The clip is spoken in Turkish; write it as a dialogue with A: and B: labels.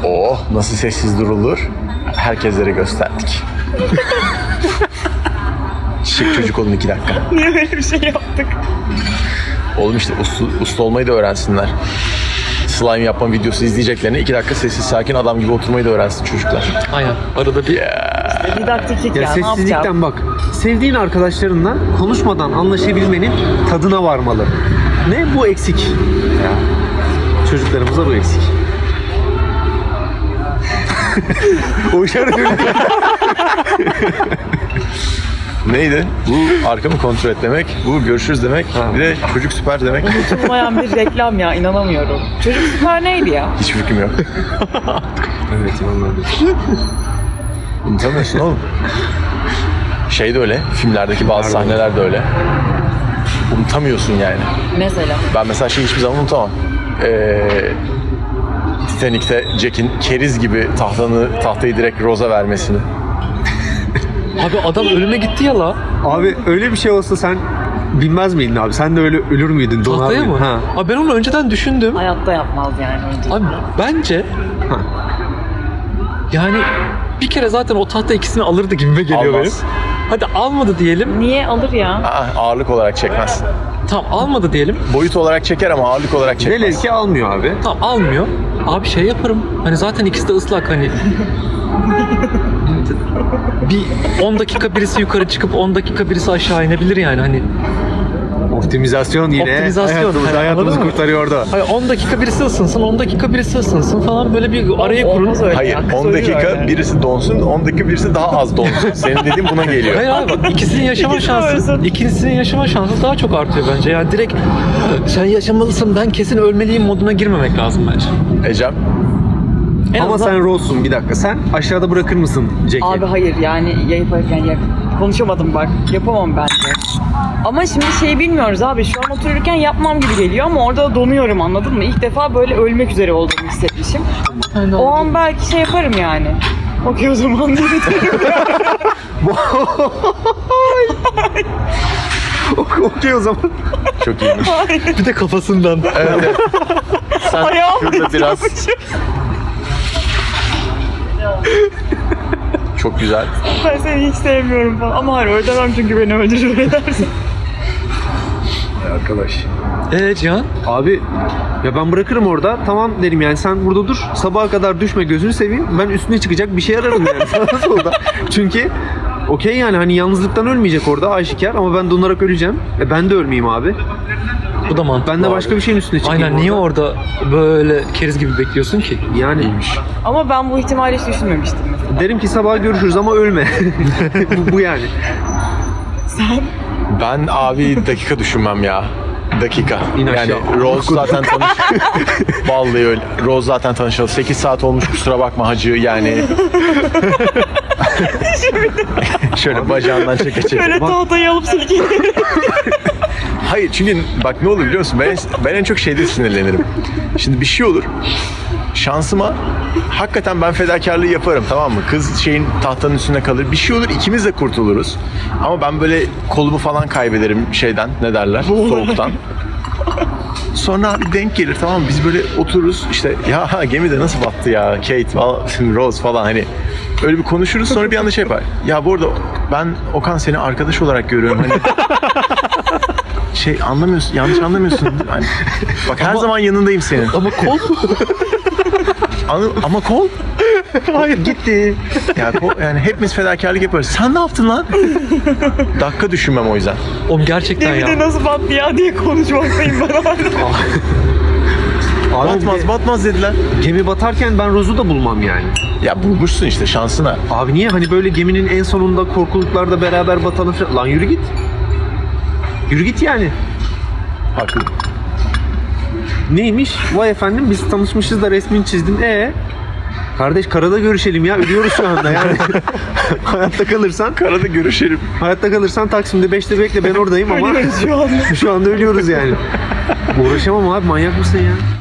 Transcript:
A: Oh, nasıl sessiz durulur? Herkeslere gösterdik. Şık çocuk olun 2 dakika.
B: Niye böyle bir şey yaptık?
A: Oğlum işte usta olmayı da öğrensinler. Slime yapma videosu izleyeceklerine 2 dakika sessiz sakin adam gibi oturmayı da öğrensin çocuklar.
C: Aynen. Arada bir...
B: Didaktiklik
D: Ya
B: ya, ne yapacağım?
D: sessizlikten bak. Sevdiğin arkadaşlarınla konuşmadan anlaşabilmenin tadına varmalı. Ne? Bu eksik. Ya. Çocuklarımıza bu eksik.
A: Neydi? Bu arkamı kontrol et demek, bu görüşürüz demek, bir de çocuk süper demek.
B: Unutulmayan bir reklam ya, inanamıyorum. Çocuk süper neydi ya?
A: Hiç fikrim yok.
D: Evet, anladım.
A: Unutamıyorsun oğlum. Şey de öyle, filmlerdeki bazı sahneler de öyle. Unutamıyorsun yani.
B: Mesela.
A: Ben mesela şeyi hiçbir zaman unutamam. Titanic'te Jack'in keriz gibi tahtayı direkt Rose'a vermesini.
C: Abi adam ölüme gitti ya la.
D: Abi öyle bir şey olsa sen bilmez miydin abi? Sen de öyle ölür müydün? Donar
C: Tahtaya
D: mıydın?
C: mı?
D: Ha.
C: Abi ben onu önceden düşündüm.
B: Hayatta yapmaz yani önce.
C: Abi bence
D: Ha.
C: yani bir kere zaten o tahta ikisini alırdı gibime geliyor
A: Almaz.
C: benim. Hadi almadı diyelim.
B: Niye alır ya?
A: Aa, ağırlık olarak çekmez.
C: Tamam almadı diyelim.
A: Boyut olarak çeker ama ağırlık olarak çekmez.
D: Velev ki almıyor abi.
C: Tamam almıyor. Abi şey yaparım. Hani zaten ikisi de ıslak hani. Bir 10 dakika birisi yukarı çıkıp 10 dakika birisi aşağı inebilir yani hani.
D: Optimizasyon yine
C: Optimizasyon.
D: hayatımızı
C: Anladın mı?
D: kurtarıyor orada.
C: Hayır 10 dakika birisi ısınsın, 10 dakika birisi ısınsın falan böyle bir arayı kurun.
B: Olmaz öyle.
A: Hayır,
B: Hakkı
A: 10
B: söylüyor
A: dakika
B: yani.
A: birisi donsun, 10 dakika birisi daha az donsun. Senin dediğin buna geliyor.
C: Hayır abi bak ikisinin yaşama
B: İkisi
C: şansı,
B: ölsün.
C: ikisinin yaşama şansı daha çok artıyor bence. Yani direkt sen yaşamalısın ben kesin ölmeliyim moduna girmemek lazım bence.
A: Ecem,
C: En
D: Ama
C: azından-
D: sen Rose'sun bir dakika. Sen aşağıda bırakır mısın Jack'i?
B: Abi hayır yani yaparken konuşamadım bak. Yapamam bence. Ama şimdi şey bilmiyoruz abi. Şu an otururken yapmam gibi geliyor ama orada da donuyorum, anladın mı? İlk defa böyle ölmek üzere olduğumu hissetmişim. O an belki şey yaparım yani. Okey o zaman dedim.
D: Okey o zaman.
A: çok iyiymiş.
C: bir de kafasından.
A: Evet. Sen
B: Ayağım
A: şurada biraz... Çok güzel.
B: Ben seni hiç sevmiyorum falan. Ama hayır öyle demem çünkü beni öldürür edersin.
D: Arkadaş.
C: Cihan?
D: Abi ya ben bırakırım orada. Tamam derim yani sen burada dur. Sabaha kadar düşme gözünü seveyim. Ben üstüne çıkacak bir şey ararım yani sağda solda. Çünkü okey yani hani yalnızlıktan ölmeyecek orada aşikar ama ben donarak öleceğim. Ben de ölmeyeyim abi.
C: Bu da mantıklı.
D: Ben de
C: abi.
D: başka bir şeyin üstüne çıkayım.
C: Aynen niye orada böyle keriz gibi bekliyorsun ki?
D: Yani
B: Ama ben bu ihtimali hiç düşünmemiştim mesela.
D: derim ki sabah görüşürüz ama ölme. bu yani.
A: Ben abi dakika düşünmem ya. Dakika.
D: İn aşağı.
A: Yani Rose zaten Vallahi öyle. Rose zaten tanışalı. 8 saat olmuş kusura bakma hacı yani. Şöyle bacağından çeke çeke.
B: Böyle tahtayı alıp silkelerim.
A: Hayır çünkü bak ne olur biliyor musun? Ben en çok şeyde sinirlenirim. Şimdi bir şey olur. Şansıma hakikaten ben fedakarlığı yaparım, tamam mı? Kız şeyin tahtanın üstünde kalır. Bir şey olur ikimiz de kurtuluruz. Ama ben böyle kolumu falan kaybederim şeyden, ne derler? Soğuktan. Sonra abi denk gelir, tamam mı? Biz böyle otururuz işte ya gemide nasıl battı ya Kate falan, Rose falan hani öyle bir konuşuruz, sonra bir anda şey yapar. Ya bu arada ben Okan seni arkadaş olarak görüyorum hani şey anlamıyorsun, yanlış anlamıyorsun. Hani, bak her zaman yanındayım senin.
C: Ama kol
A: Ama kol? Hayır gitti. Ya yani hepimiz fedakarlık yaparız. Sen ne yaptın lan? Dakika düşünmem o yüzden.
C: oğlum gerçekten
B: Gemide
C: ya.
B: nasıl battı ya diye konuşmaktayım ben hala.
D: Abi
A: Batmaz dediler.
D: gemi batarken ben Rose'u da bulmam yani.
A: Ya bulmuşsun işte şansına.
D: Abi niye hani böyle geminin en sonunda korkuluklarda beraber batalım falan. Lan yürü git. Yürü git yani.
A: Haklı.
D: Neymiş? Vay efendim biz tanışmışız da resmini çizdin. Kardeş karada görüşelim ya. Ölüyoruz şu anda yani. Hayatta kalırsan
A: Karada görüşelim.
D: Taksim'de 5'te bekle ben oradayım ama
B: Ölüyoruz şu anda.
D: şu anda ölüyoruz yani. Uğraşamam abi manyak mısın ya?